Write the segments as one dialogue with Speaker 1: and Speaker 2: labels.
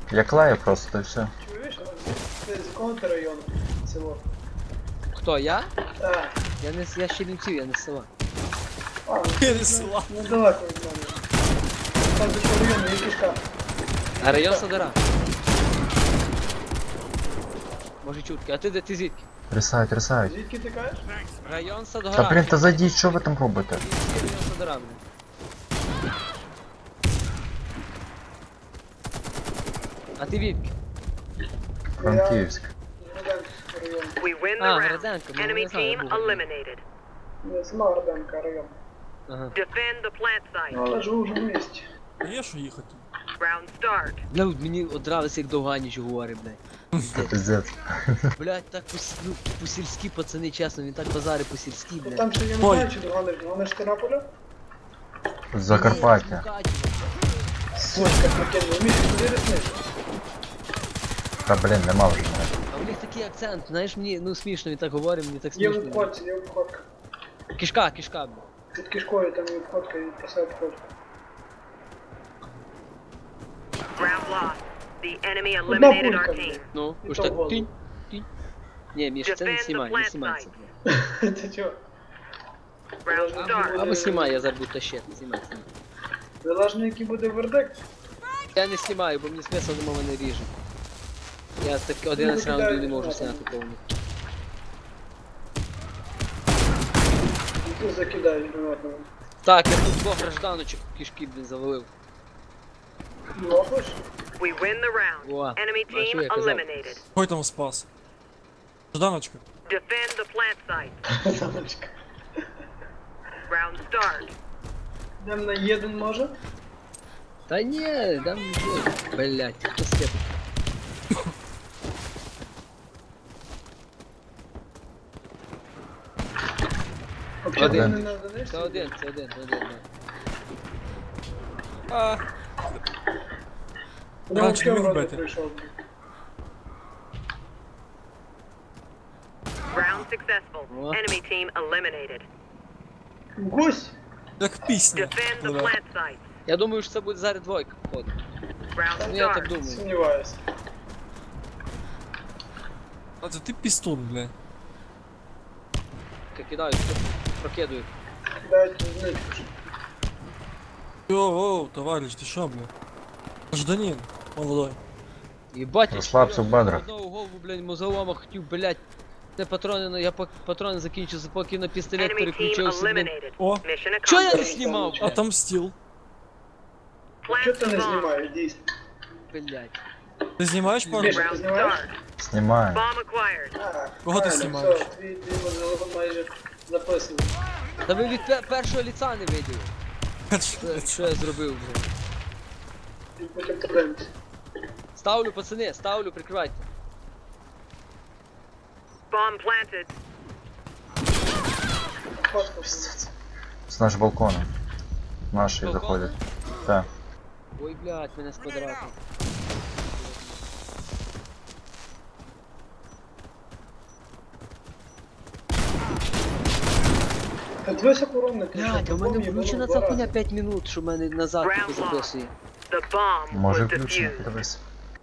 Speaker 1: Я клаю просто, і все.
Speaker 2: Чуєш? Ти з якого ти району? Село.
Speaker 3: Хто, я?
Speaker 2: Так.
Speaker 3: Я з Чернівців, я не з села.
Speaker 2: А, ну,
Speaker 4: Я не з села.
Speaker 2: недалеко від мене. Там до чого району, є кишка.
Speaker 3: А район Садара. Може чутки. А ти де, ти звідки?
Speaker 1: Трясають, трясають.
Speaker 2: Звідки ти кажеш?
Speaker 3: Район
Speaker 1: Та
Speaker 3: Садгора.
Speaker 1: блін, та зайдіть, що ви там робите?
Speaker 3: Район Садгора, блін. А ти відки?
Speaker 1: Франківськ.
Speaker 2: Граденський район.
Speaker 5: We win the
Speaker 3: Ah,
Speaker 5: round.
Speaker 3: Граденко, ну,
Speaker 5: Enemy
Speaker 3: не знаю,
Speaker 5: team
Speaker 3: був.
Speaker 5: eliminated.
Speaker 2: Не, сама Граденка район.
Speaker 3: Ага.
Speaker 5: Defend the plant site.
Speaker 2: Ну, але живу вже в місті.
Speaker 4: А є що їхати?
Speaker 5: Round start.
Speaker 3: Бля, мені одравився, як Довганіч говорить, блядь.
Speaker 1: Це пиздець.
Speaker 3: Блядь, так ну, по-сільськи, пацани, чесно, він так базари по-сільськи,
Speaker 2: Ну
Speaker 3: блядь.
Speaker 2: там ще я не
Speaker 4: Ой.
Speaker 2: знаю, чи догониш. Догониш Тернополя?
Speaker 1: З Закарпаття.
Speaker 2: Сучка, прикинь, вмієш туди ріснити?
Speaker 1: Та блін, нема вже мене.
Speaker 3: А у них такий акцент, знаєш, мені, ну смішно, він так говорить, мені так
Speaker 2: Є в
Speaker 3: смішно.
Speaker 2: обходці, є обходка.
Speaker 3: Кишка, блядь.
Speaker 2: Під кишкою там є обходка і просе обходка.
Speaker 5: Round lost. The enemy
Speaker 2: Одна
Speaker 5: eliminated our
Speaker 2: пулька,
Speaker 5: team.
Speaker 2: блядь.
Speaker 3: Ну,
Speaker 2: І
Speaker 3: уж
Speaker 2: то
Speaker 3: так,
Speaker 2: голову.
Speaker 3: тінь. Ні, Міш, це не знімай, не знімай це, блядь.
Speaker 2: Ти чого?
Speaker 5: Round start.
Speaker 3: Або знімай, я зараз буду тащити, знімай.
Speaker 2: Залежно, який буде вердикт.
Speaker 3: Я не знімаю, бо мені смисл дома мене ріже. Я так 11 раундів не можу зняти повністю.
Speaker 2: І ти закидаєш гранатами.
Speaker 3: Так, я тут двох гражданочок кишки, блін, завалив.
Speaker 2: Лопиш?
Speaker 5: We win the round.
Speaker 3: О,
Speaker 5: Enemy
Speaker 3: а що
Speaker 5: team
Speaker 3: я казав?
Speaker 5: eliminated.
Speaker 4: Хой там спас. Жданочка.
Speaker 5: Defend the plant site.
Speaker 2: Замочка.
Speaker 5: Round start.
Speaker 2: Йдем на єдин може?
Speaker 3: Та ні, там, блядь, хто слепить.
Speaker 2: Взагалі
Speaker 1: Один.
Speaker 2: не на одиничці?
Speaker 3: Це один, да.
Speaker 4: А,
Speaker 2: Вони
Speaker 4: Раніше
Speaker 2: взагалі
Speaker 4: він
Speaker 2: вроде
Speaker 4: бити.
Speaker 2: прийшов.
Speaker 5: Round successful.
Speaker 3: О.
Speaker 5: Enemy team eliminated.
Speaker 2: Гусь!
Speaker 4: як пісня.
Speaker 5: Defend the
Speaker 4: Бля.
Speaker 5: plant site.
Speaker 3: Я думаю, що це буде зараз двойка, походу.
Speaker 5: Round
Speaker 3: Ну я так
Speaker 5: start.
Speaker 3: думаю.
Speaker 2: Сумніваюся.
Speaker 4: А це ти пістун, бля.
Speaker 3: Я кидаю, прокидую.
Speaker 2: Кидають зничку.
Speaker 4: Йоу, товарищ, ти що, бля? Жданін, молодой.
Speaker 3: Єбать, я
Speaker 1: Розслабся в
Speaker 3: чотирьох
Speaker 1: бедрах.
Speaker 3: одного голову, блядь, мозолома хотів, блядь. Це патрони, ну я патрони закінчив, поки на пістолет
Speaker 5: Enemy team
Speaker 3: переключився, блядь.
Speaker 5: eliminated.
Speaker 4: О,
Speaker 5: Mission
Speaker 3: Чого я не
Speaker 5: accomplished.
Speaker 3: знімав, блядь?
Speaker 4: отомстил.
Speaker 2: Чого ти
Speaker 5: Plant
Speaker 2: не
Speaker 5: the bomb.
Speaker 2: знімаєш, дійсно?
Speaker 3: Блядь.
Speaker 4: Ти знімаєш пару?
Speaker 2: Міша, ти
Speaker 5: Round
Speaker 2: знімаєш?
Speaker 5: start.
Speaker 1: Знімаю.
Speaker 5: Bomb acquired.
Speaker 4: Кого ти
Speaker 2: правильно,
Speaker 4: знімаєш?
Speaker 2: все, твій мозолом майже записаний.
Speaker 3: Та ви від першого ліца не виділи. Що я зробив, блядь.
Speaker 2: І потім подивимось.
Speaker 3: Ставлю, пацани, ставлю, прикривайте.
Speaker 5: Bomb planted.
Speaker 2: Фотку.
Speaker 1: З наш балконом. Наші
Speaker 3: Балконом?
Speaker 1: заходять. Так.
Speaker 3: Ой, блядь, мене з квадрату.
Speaker 2: Та дивися коронник.
Speaker 3: Блядь, а в мене включена ця хуйня 5 минут, що в мене назад тільки записує.
Speaker 5: The bomb
Speaker 1: Може
Speaker 5: was
Speaker 1: включено,
Speaker 5: defused.
Speaker 1: подивись.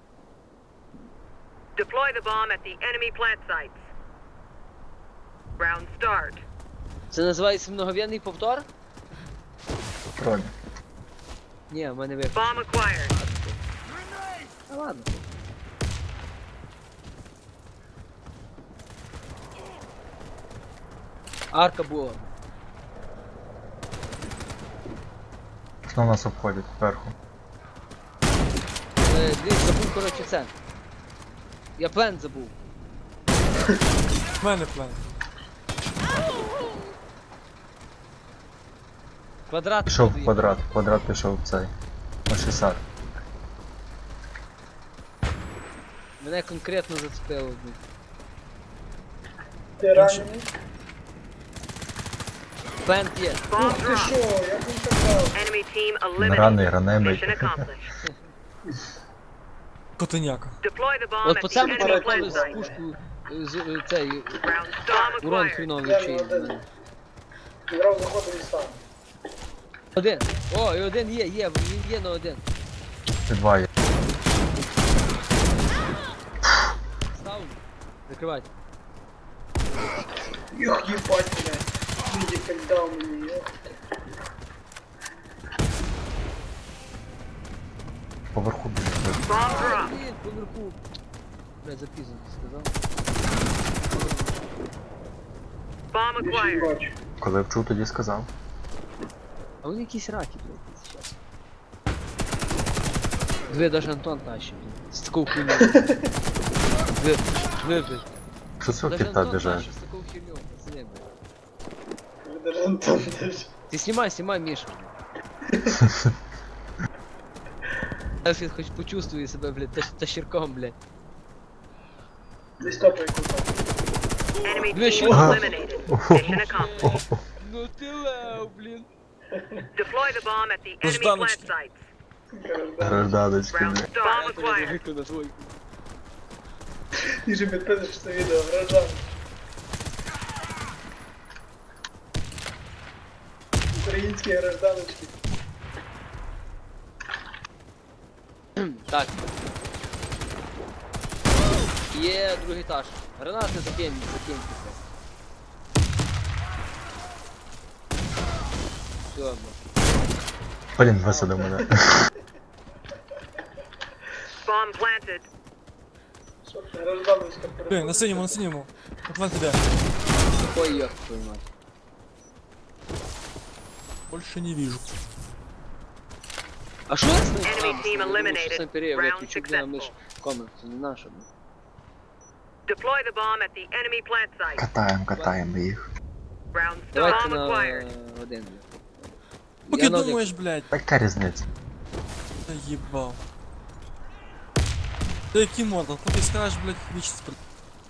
Speaker 5: Deploy the bomb at the enemy plant sites. Round start.
Speaker 3: Це називається многов'єнний повтор?
Speaker 1: Троль.
Speaker 3: Ні, в мене виключено.
Speaker 5: Bomb acquired.
Speaker 3: А ладно. Арка була.
Speaker 1: Хто нас обходить зверху?
Speaker 3: Дивись, забув, коротше, це. Я плен забув.
Speaker 4: В мене план.
Speaker 3: Квадрат.
Speaker 1: Пішов
Speaker 3: буду
Speaker 1: в квадрат. Квадрат пішов в цей. На 60.
Speaker 3: Мене конкретно зацепило. блін.
Speaker 2: Ти ранений?
Speaker 3: Плент є.
Speaker 5: Bomb
Speaker 2: Ух ти
Speaker 5: dropped.
Speaker 2: що, як він казав?
Speaker 5: Enemy team
Speaker 1: Раний,
Speaker 5: eliminated.
Speaker 1: ранемий.
Speaker 5: Mission accomplished.
Speaker 4: Котеняка.
Speaker 5: Deploy the bomb
Speaker 3: От
Speaker 5: at
Speaker 3: по
Speaker 5: the
Speaker 3: цьому
Speaker 5: enemy
Speaker 3: перепали
Speaker 5: plant
Speaker 3: з
Speaker 5: site.
Speaker 3: пушку цей
Speaker 5: Round start.
Speaker 3: урон
Speaker 5: Bomb acquired.
Speaker 3: хріновий
Speaker 2: Я
Speaker 3: вчить.
Speaker 2: один. Грав заходив і став.
Speaker 3: Один. О, і один є, він є на один.
Speaker 1: Ти два є.
Speaker 3: прикривайте.
Speaker 2: Юх, ебать, блядь. Медик дал мне, ёх.
Speaker 1: Поверху біжить.
Speaker 5: Bomb drop.
Speaker 3: Блін, поверху. Блядь, запізно ти сказав.
Speaker 5: Bomb
Speaker 2: Більше не
Speaker 5: acquired.
Speaker 2: бачу.
Speaker 1: Коли вчув, тоді сказав.
Speaker 3: А вони якісь раки, блядь, сейчас. Две даже Антон тащит, блядь. С такой хуйней. Две, блядь.
Speaker 1: Що цього
Speaker 3: Даже
Speaker 1: кіта
Speaker 3: Антон
Speaker 1: біжать?
Speaker 3: тащит с такой херней, пацаны, блядь.
Speaker 2: Вже даже Антон даже.
Speaker 3: Ты снимай, Миша. Альфред хоть почувствуй себя, блядь, тащерком, блядь.
Speaker 2: Десь топай куда.
Speaker 5: Enemy
Speaker 3: Две
Speaker 5: team
Speaker 3: щели.
Speaker 5: eliminated. Mission accomplished.
Speaker 3: Ну ты лау, блин.
Speaker 5: Deploy the bomb at the
Speaker 4: Ну,
Speaker 5: enemy
Speaker 4: жданочки.
Speaker 5: plant sites.
Speaker 1: Гражданочки,
Speaker 5: Round
Speaker 1: бля.
Speaker 5: start. Bomb acquired.
Speaker 3: Виклю на твой.
Speaker 2: Ти же підписуєш це відео, граждан. Українські гражданочки.
Speaker 3: Так. Є другий етаж. Гранати закинь. Все, блядь.
Speaker 1: Блін, висадив мене.
Speaker 5: Bomb planted.
Speaker 2: Що ти, гражданочка?
Speaker 4: Блин, на синему. Атлант тебя.
Speaker 3: Ой, ёб твою мать.
Speaker 4: Больше не вижу.
Speaker 3: А що я з ним?
Speaker 5: Enemy team eliminated. Round
Speaker 3: Миш комент, це не наша, блядь.
Speaker 5: Deploy the bomb at the enemy plant site.
Speaker 1: Катаємо їх.
Speaker 5: Round
Speaker 3: Давайте
Speaker 5: bomb
Speaker 3: на
Speaker 5: acquired.
Speaker 3: один, блядь.
Speaker 4: Поки
Speaker 3: Я на один.
Speaker 4: думаєш, блядь.
Speaker 1: Яка різниця?
Speaker 4: Та їбав. Та який модал? Поки скажеш, блядь, вічність при...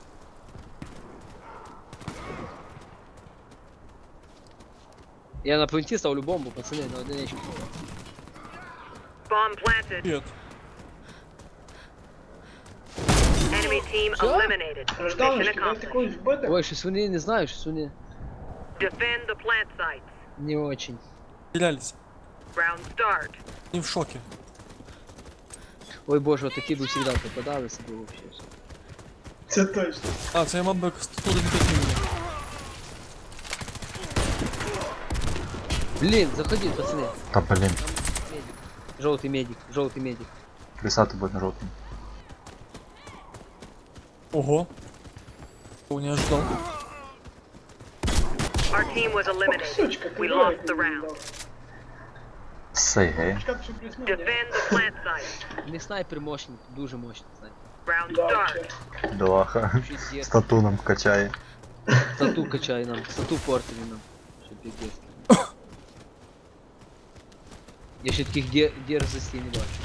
Speaker 3: Я на пленті ставлю бомбу, пацани, на одиничку.
Speaker 5: Bomb planted.
Speaker 4: Привет.
Speaker 5: Enemy team
Speaker 3: Що?
Speaker 5: eliminated. Mission
Speaker 2: Гражданочки, ви
Speaker 5: accomplished.
Speaker 2: такої вбити?
Speaker 3: Ой, щось вони не знаю, щось вони
Speaker 5: Defend the plant sites.
Speaker 3: не очень.
Speaker 4: Стрілялись.
Speaker 5: Round start.
Speaker 4: Не в шоке.
Speaker 3: Ой боже, такі б завжди попадалися, було вообще.
Speaker 2: Це точно.
Speaker 4: А, це я мав би 195 мільйонів.
Speaker 3: Блін, заходи, пацани.
Speaker 1: Та блін,
Speaker 3: Медик. Жовтий медик.
Speaker 1: писати буде на жовтому.
Speaker 4: Ого. О, не ожидал.
Speaker 5: Our team was eliminated.
Speaker 2: Сучка,
Speaker 5: We lost the round.
Speaker 1: Сей, гей.
Speaker 2: Шкаф, що плюс-мінус.
Speaker 5: Defend the plant site.
Speaker 3: У них снайпер мощний, дуже мощний снайпер.
Speaker 5: Round
Speaker 2: Да,
Speaker 5: start.
Speaker 2: вообще.
Speaker 1: Доаха.
Speaker 3: Щось є.
Speaker 1: Стату нам качає.
Speaker 3: Стату качай нам, стату портили нам. Що пиздец. Я ще таких дерзостей не бачу.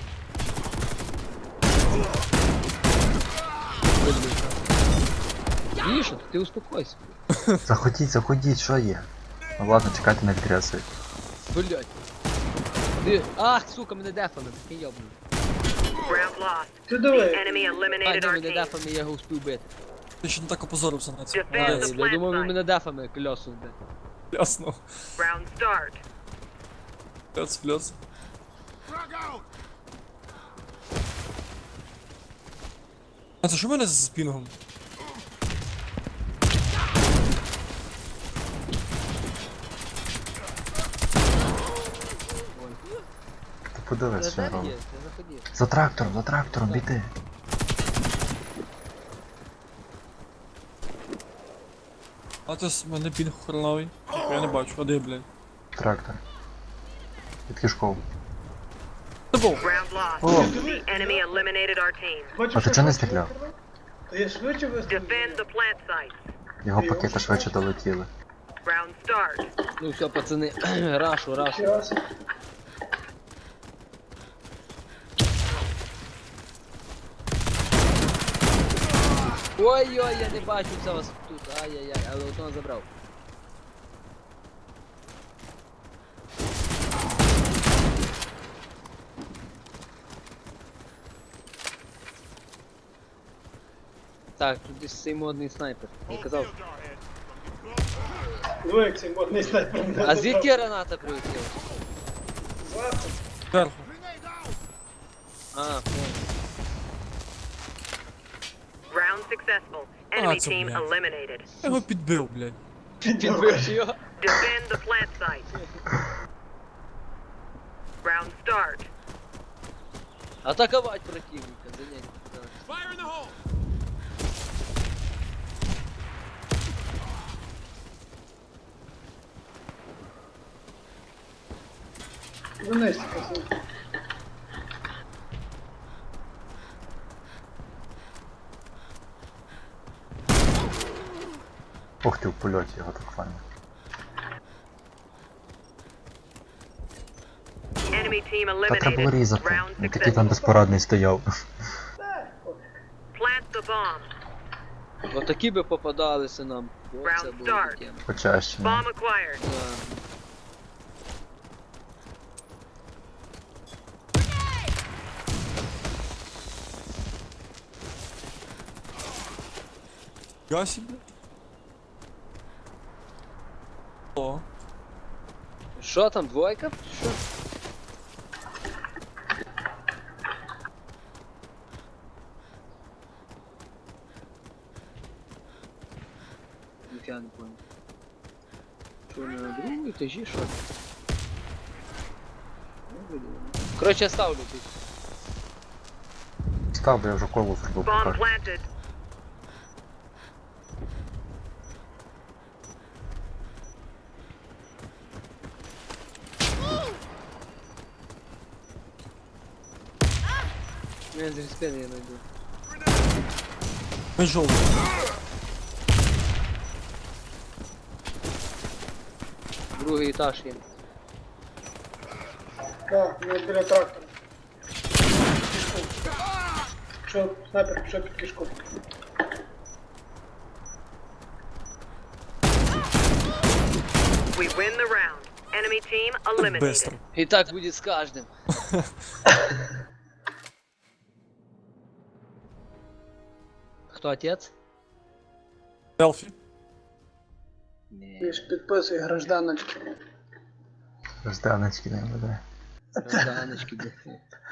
Speaker 3: Міша, ти успокойся.
Speaker 1: Заходіть, що є? Ну ладно, чекайте на відряси.
Speaker 3: Блять. Ти... Ах, сука, мене дефами, такий йобаний.
Speaker 5: Round lost.
Speaker 2: Ти
Speaker 5: The
Speaker 2: диви.
Speaker 5: enemy
Speaker 3: А,
Speaker 5: eliminated
Speaker 3: ні,
Speaker 5: our
Speaker 3: мене
Speaker 5: team.
Speaker 3: дефами, я його успів бити.
Speaker 4: Ти ще не так опозорився на це.
Speaker 3: А,
Speaker 5: Defend
Speaker 4: Молодець.
Speaker 5: the
Speaker 3: я
Speaker 5: plant
Speaker 3: думав, він
Speaker 5: site.
Speaker 3: мене дефами кльоснув, блядь.
Speaker 4: Ясно.
Speaker 5: Round start.
Speaker 4: Плюс. А це що в мене з пінгом?
Speaker 1: Ти подивись, що
Speaker 3: Де
Speaker 1: робить.
Speaker 3: є? Ти заходи.
Speaker 1: За трактором, біди.
Speaker 4: А це з мене пінг хреновий. Я не бачу, а де, блядь?
Speaker 1: Трактор. Під кишков.
Speaker 4: Це був.
Speaker 5: Round lost.
Speaker 1: О.
Speaker 5: The enemy eliminated our team.
Speaker 2: Бачиш,
Speaker 1: А ти
Speaker 2: що
Speaker 1: чого не
Speaker 2: швидше
Speaker 1: стріляв?
Speaker 2: вистрілив? Та я швидше вистрілив.
Speaker 5: Defend the plant sites.
Speaker 1: Його пакети швидше долетіли.
Speaker 5: Round start.
Speaker 3: Ну все, пацани, рашу.
Speaker 2: Ще раз.
Speaker 3: Ой-ой, я не бачу це вас тут. Ай-яй-яй, але одного забрав. Так, тут десь цей модний снайпер. Я казав.
Speaker 2: Диви, як цей модний снайпер мене
Speaker 3: А
Speaker 2: забрав.
Speaker 3: звідки граната прилетіла?
Speaker 2: Зверху.
Speaker 4: Зверху.
Speaker 3: А, понял.
Speaker 5: Round successful. Enemy
Speaker 4: це,
Speaker 5: team
Speaker 4: блядь.
Speaker 5: eliminated.
Speaker 4: Я його підбив, блядь.
Speaker 3: Підбив його.
Speaker 5: Defend the plant site. Round start.
Speaker 3: Атаковать противника, занять.
Speaker 2: Вниз, пацан.
Speaker 1: Ух ти, в польоті його так файно.
Speaker 5: Enemy team
Speaker 1: Та треба було
Speaker 5: eliminated.
Speaker 1: різати.
Speaker 5: Round
Speaker 1: Він такий там
Speaker 5: successful.
Speaker 1: безпорадний стояв.
Speaker 2: Так, пофіг.
Speaker 5: Plant the bomb.
Speaker 3: Отакі би попадалися нам. О, це
Speaker 5: Round
Speaker 3: було
Speaker 5: start.
Speaker 3: таке.
Speaker 1: Почаще. ну.
Speaker 5: Bomb acquired.
Speaker 3: Да.
Speaker 4: Я себе. О,
Speaker 3: Що там, двойка? Що? Ніфіга не понял. Що, на другому етажі, що? Коротше, я ставлю тут.
Speaker 1: Став, бо я вже колу зробив
Speaker 5: Bomb
Speaker 1: покажу.
Speaker 5: planted.
Speaker 3: Я з респени я знайду.
Speaker 4: ми жовтий.
Speaker 3: Другий етаж є.
Speaker 2: Так, ми біля трактора. Кішку. Що, снайпер пішов під кішку.
Speaker 5: We win the round. Enemy team
Speaker 4: Так
Speaker 5: eliminated.
Speaker 4: быстро.
Speaker 3: І так буде з кожним. Хто отець?
Speaker 4: Селфі.
Speaker 3: Ні.
Speaker 2: Ти ж підписуй гражданочки.
Speaker 1: Жданочки не буде.
Speaker 3: Розданочки, де.